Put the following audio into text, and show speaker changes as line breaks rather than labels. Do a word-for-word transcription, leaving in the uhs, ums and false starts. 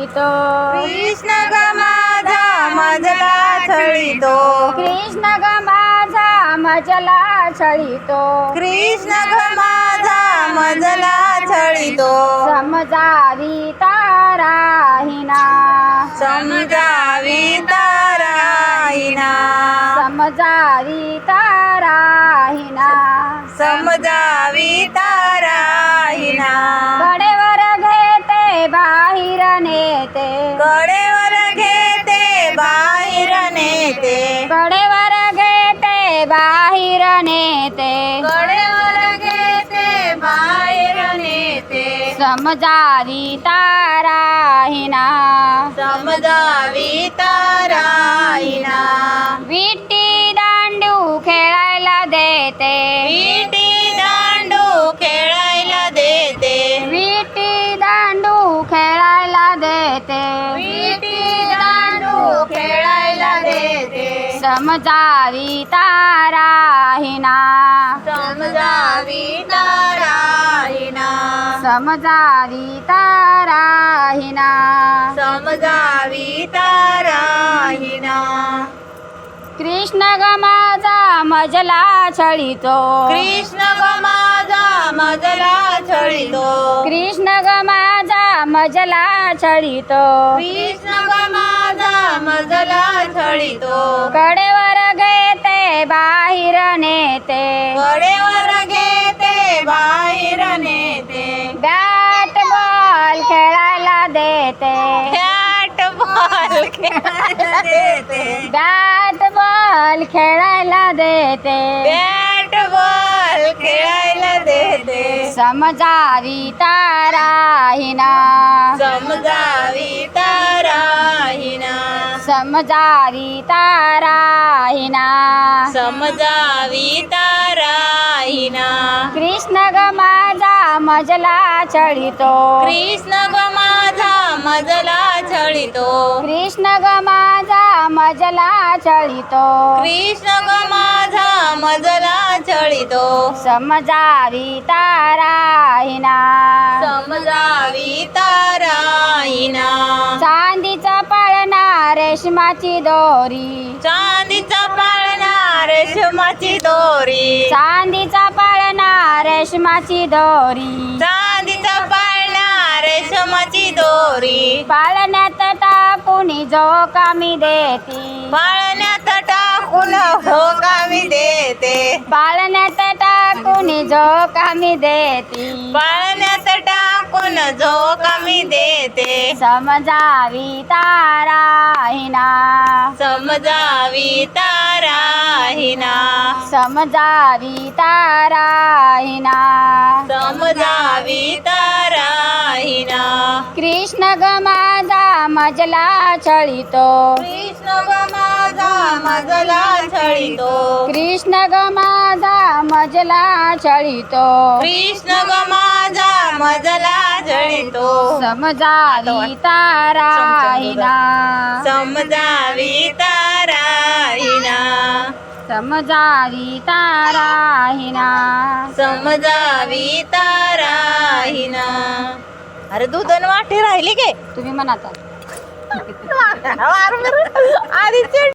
छळीतो
कृष्ण ग माझा मजला छळीतो
कृष्ण ग माझा मजला छळीतो
कृष्ण ग माझा मजला छळीतो
समजावी ताराहिना
समजावी ताराईना
समजावी ताराहिना
समजावी ताराईना
कडेवर घेते बाहेर नेते
कडेवर घेते बाहेर नेते
कडेवर घेते बाहेर नेते
कडेवर घेते बाहेर नेते
समजावी ताराहिना
समजावी ताराईना
विटी दांडू खेळायला देते
विटी दांडू खेळायला देते
विटी दांडू खेळायला देते
विटी दांडू खेळायला देते
समजावी ताराहिना
समजावी ताराईना
समजावी ताराहिना
समजावी ताराईना
कृष्ण ग माझा मजला छळीतो
कृष्ण ग माझा मजला छळीतो
कृष्ण ग माझा मजला छळीतो
कृष्ण ग माझा मजला छळीतो
कडेवर घेते बाहेर नेते
कडेवर घेते बाहेर नेते
बॅट बॉल खेळायला देते
बॅट बॉल खेळायला देते
बॅट बॉल खेळायला देते
बॅट बॉल खेळायला देते
समजावी ताराहिना
समजावी ताराईना
समजावी ताराहिना
समजावी ताराईना
कृष्ण ग माझा मजला छळीतो
कृष्ण ग माझा मजला छळीतो
कृष्ण ग माझा मजला छळीतो
कृष्ण ग माझा मजला छळीतो
समजावी ताराहिना
समजावी ताराईना
चांदीचा पाळणा रेशमाची दोरी
चांदीचा पाळणा रेशमाची दोरी
चांदीचा पाळणा रेशमाची दोरी
चांदीचा पाळणा रेशमाची दोरी
पाळण्यात टाकून जो कामी देती
पाळण्यात टाकून भोगावी देते
पाळण्यात टाकून जो कामी देती
पाळण्यात टाकून जो कमी देते
समजावी ताराहिना
समजावी ताराईना
समजावी ताराहिना
समजावी ताराईना
कृष्ण ग माझा मजला छळीतो
कृष्ण ग माझा मजला छळीतो
कृष्ण ग माझा मजला छळीतो
कृष्ण ग माझा मजला छळीतो
समजावी ताराहिना
समजावी ताराईना
समजावी ताराहिना
समजावी ताराईना अरे दूधन वाटी राहिली के
तुम्ही म्हणता
आधी